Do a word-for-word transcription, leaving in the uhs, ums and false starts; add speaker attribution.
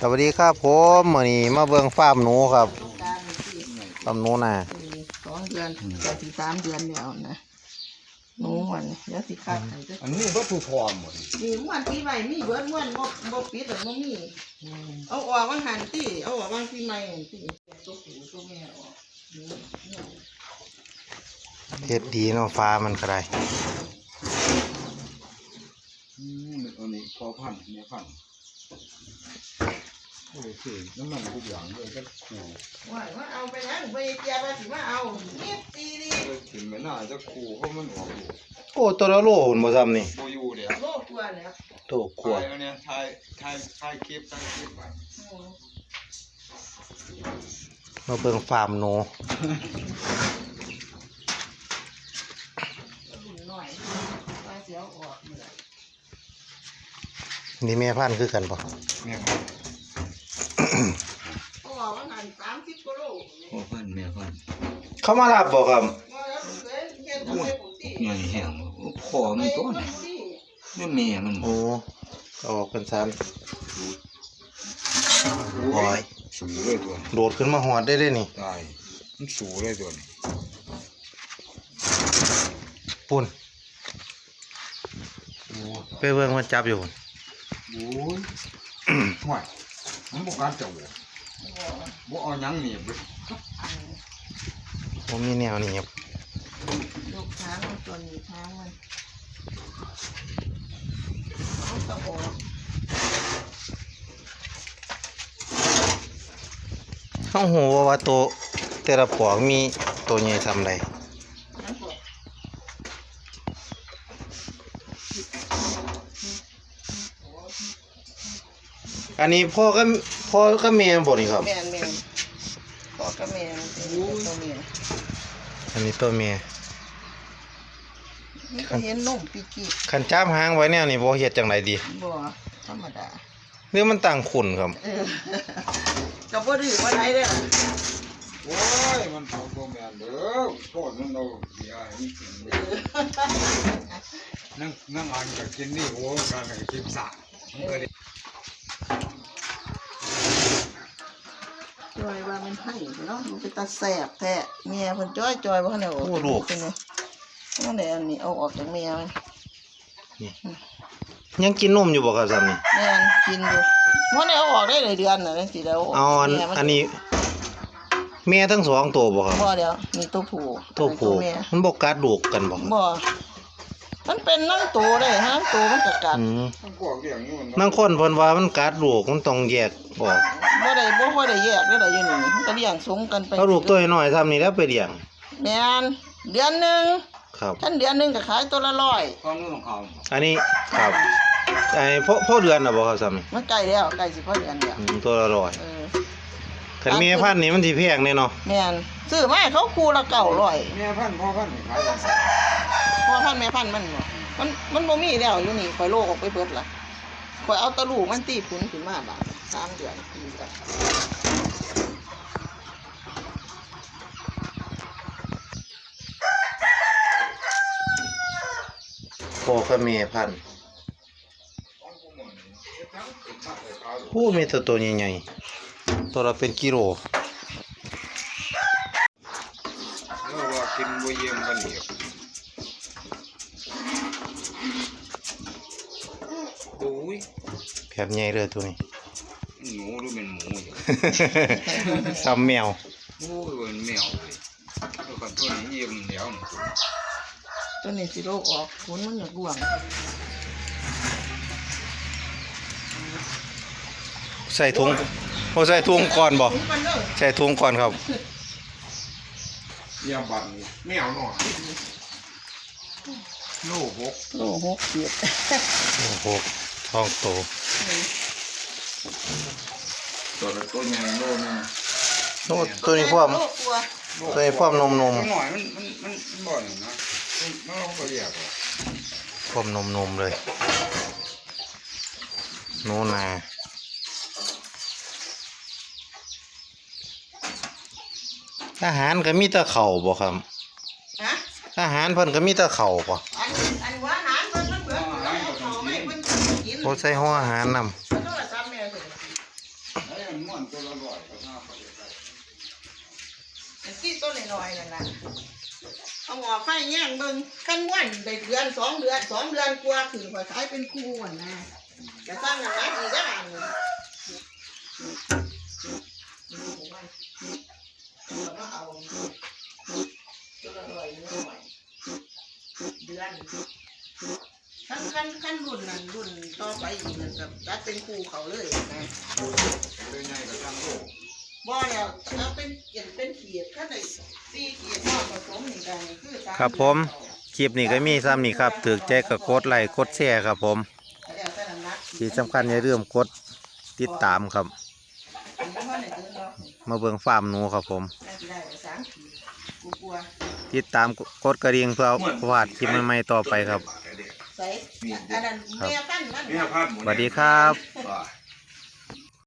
Speaker 1: สวัสดีครับผมมื้อนี้มาเบิ่งฟาร์มหนูครับฟาร์มหนูนา
Speaker 2: สองเดือนจะถึงสามเดือนแล้วนะหนูมันเดี๋ยวสิคัดให้อั
Speaker 3: นนี้ก็ถูกพร้อมหมด
Speaker 2: นี่ม้วนปีใหม่มีเบิดม้วนบ่บ่ปิดหรอกบ่มีเอาออกวันหันติเอาออกวันปีใหม่ติตัวผู้ตัวแม่ออก
Speaker 1: เฮ็ดดีเนาะฟ้ามันก็ได้
Speaker 3: อืมอันนี้พอพันเนี่ยพันโอเคน้ำมันทุกอย่างเลยก็ขู่
Speaker 2: ว่าว่าเอาไปยังไปเจียบว่าสิมาเอานิดตีดิ
Speaker 3: ถึงไม่น่าจะขู่เพราะมันออกอยู่
Speaker 1: โอ้ตัวละโลหุ่นบ่ซ้ำนี่
Speaker 3: โบอยู่เดี๋ยว
Speaker 2: โลกลัวแล้ว
Speaker 1: โตกลัว
Speaker 3: เนี่ยถ่ายถ่ายถ่ายคลิปถ่ายคลิปไป
Speaker 1: มาเบิ่งฟาร์มหนูนี่แม่พันธุ์คือกันป่ะ
Speaker 3: แม่พันธุ์
Speaker 2: เขาบอกว่าหันสามสิบกิโล
Speaker 3: พ่อพันธุ์แม่พันธุ์
Speaker 1: เขามารับบ่ครับ
Speaker 3: ใหญ่แห้งคอมันต้นนี่แม่มัน
Speaker 1: โอ้ออกเป็นสามโอ้ย
Speaker 3: สูงเลยตัว
Speaker 1: โดดขึ้นมาหอดได้เลยนี่
Speaker 3: ตายมันสูงเลยตัวนี้
Speaker 1: ปุ่นไปเบิ่งมันจับอยู่
Speaker 3: โอ้ยห่วยมันบอกการจับบ่บ่เอายังหนีบ
Speaker 1: ผมมีแนวนี้ครับ
Speaker 2: ลูกช้างมันตัวนี้ช้างมันเขาตะโกน
Speaker 1: เขาหูว่าตัวแต่ละปอกมีตัวใหญ่ทำไรอันนี้พ่อก็พ่อก็เมียบ่นี่ครับ
Speaker 2: แม่แม่พ่อก็แม่ตัวเมีย
Speaker 1: อันนี้ตัวเมีย
Speaker 2: นี่ก็เห็นนุ่มปีกี้
Speaker 1: ขันจ้ามหางไว้แนวนี่บ่เฮ็ดจังไดดี
Speaker 2: บ่ธรรมดา
Speaker 1: เรื่องมันต่างขุนครับ
Speaker 2: ก็บ่ดื้อบ่ได้เด้อ
Speaker 3: โอ้ยมันเอาตัวแม่เด้อโคตรมันเอาเสียให้กินนั่งนั่งอ่านก็กินนี่โอ้การก็กินสะมันก็
Speaker 2: จอยว่ามันให้เนาะมันเป็นตาแสบแท้เมียเพิ่นจ้อยจอยบ่ทันได้ออก
Speaker 1: โอ้ลูก
Speaker 2: เป็นไงมันได้อันนี้เอาออกจากเมียมัน
Speaker 1: นี่ยังกินนมอยู่บ่ครับซ้ำนี่
Speaker 2: แม่นกินอยู่มันได้เอาออกได้หลายเดือนน่ะจังซี่แล้ว
Speaker 1: เอาอันนี้แม่ทั้งสองตัวบ่ครับ
Speaker 2: บ่เดี๋ยวนี่ตัวผู้
Speaker 1: ตัวผู้มันบ่กัดลูกกันบ่
Speaker 2: บ่มันเป็นนั่งตัวได้ฮะตัวมันก็กัด
Speaker 1: บางคนเพิ่นว่ามันกัดลูกมันต้องแยกออก
Speaker 2: บ่ได้บ่ค่อยได้แยกได้อยู่นี่มันก็เลี้ยงสงกันไป
Speaker 1: เอาลูกตัวน้อยๆซ้ำนี่แล้วไปเลี้ยง
Speaker 2: แม่นเดือนนึง
Speaker 1: ครับ
Speaker 2: ท่านเดือนนึงก็ขายตัวละร้อย
Speaker 1: อันนี้ครับไอ้พ่อพ่อเดือนน่ะบ่ครับซ้ำนี่
Speaker 2: มันใกล้แล้วใกล้สิพอเดือนแล้ว
Speaker 1: ตัวละร้อยเออคันแม่พันธุ์นี่มันสิแพงแน่เนาะ
Speaker 2: แม่นซื้อมาให้เขาคู่ละเก้าร้อย
Speaker 3: แม่พันธุ์พ่อพันธุ์ขายกัน
Speaker 2: พ่อพันธุ์แม่พันธุ์มันมันมันบ่มีแล้วอยู่นี่ข่อยโลกออกไปเบิดล่ะข่อยเอาตะลูกมันตีพุนขึ้นมาบาดสามเดือนปีกัน
Speaker 1: พ่อกับแม่พันธุ์ผู้มีตัวตัวใหญ่ๆตัวละเป็นกิโล
Speaker 3: แล้วว่ากินบ่เยี่ยมกันเดียวโอ้ย
Speaker 1: แบบใหญ่เลยตัวนี้
Speaker 3: หนูหรือเป็นหมู
Speaker 1: ซ้ำแมว
Speaker 3: โอ้ยเป็นแมวเลยแล้วก็ตัวนี้เยี่ยมเดียว
Speaker 2: ตัวนี้สิโลกออกขนมันอยากร่วง
Speaker 1: ใส่ถุงโอ้ใส่ถุงก่อนบ่ใส่ถุงก่อนครับ
Speaker 3: ยาบันแมวหน่อยโลหก
Speaker 2: โลหกเจ็ด
Speaker 1: โลหกท้องโต
Speaker 3: ตัวละตัวใหญ่โลนึง
Speaker 1: โอ้ตัวนี้พวกตัวนี้พวกนมนม
Speaker 3: หน่อยมันมันมันบ่อยนะมันก็เรียก
Speaker 1: พวกนมนมเลยโน่นาอาหารก็มีแต่เข่าบ่ครับอาหารเพิ่นก็มีแต่เข่าบ่โอ้ใส่หัวอาหารนำ
Speaker 3: ม่วนตัวละร้อยก็น่าไปได้
Speaker 2: ไอ้ที่ต้นน้อยๆนั่นน่ะเอาหม้อไฟแย่งเบิ่งกันวันได้เดือนสองเดือนสองเดือนกว่าขึ้นข่อยขายเป็นคู่อ่ะนะจะสร้างงานอีกได้บ้างแล้วก็เอาตัวละร้อยนิดหน่อยเดือนขั้นขั้นขั้นรุ่นนั้นรุ่นต่อไปอีกนั่นกับจัดเป็นคู่เขาเลยนะ
Speaker 3: เลยใหญ่กับทางโลก
Speaker 2: บ่แล้วเอาเป็นเขียนเป็นเขียดขั้นไหนสี่เขียดพ่อผสมนี่กันนี่คือสา
Speaker 1: ครับผมคลิปนี้ก็มีซ้ำนี่ครับถือใจกับกดไลค์กดแชร์ครับผม
Speaker 2: แล้วแต่น้ำหนัก
Speaker 1: ที่สำคัญอย่าลืมกดติดตามครับ
Speaker 2: อันนี้พ่อไหนเดินเนาะ
Speaker 1: มาเบิ่งฟาร์มหนูครับผม
Speaker 2: น่าจะได้ไปสามขีดกูกลัว
Speaker 1: ติดตามกดกระดิ่งเพื่อพลาดคลิปใหม่ๆต่อไปครับ
Speaker 2: ใส่อันนั้นแม่พันธุ์มัน
Speaker 3: เนี่ยพันหมด
Speaker 1: สวัสดีครับ
Speaker 3: ว่า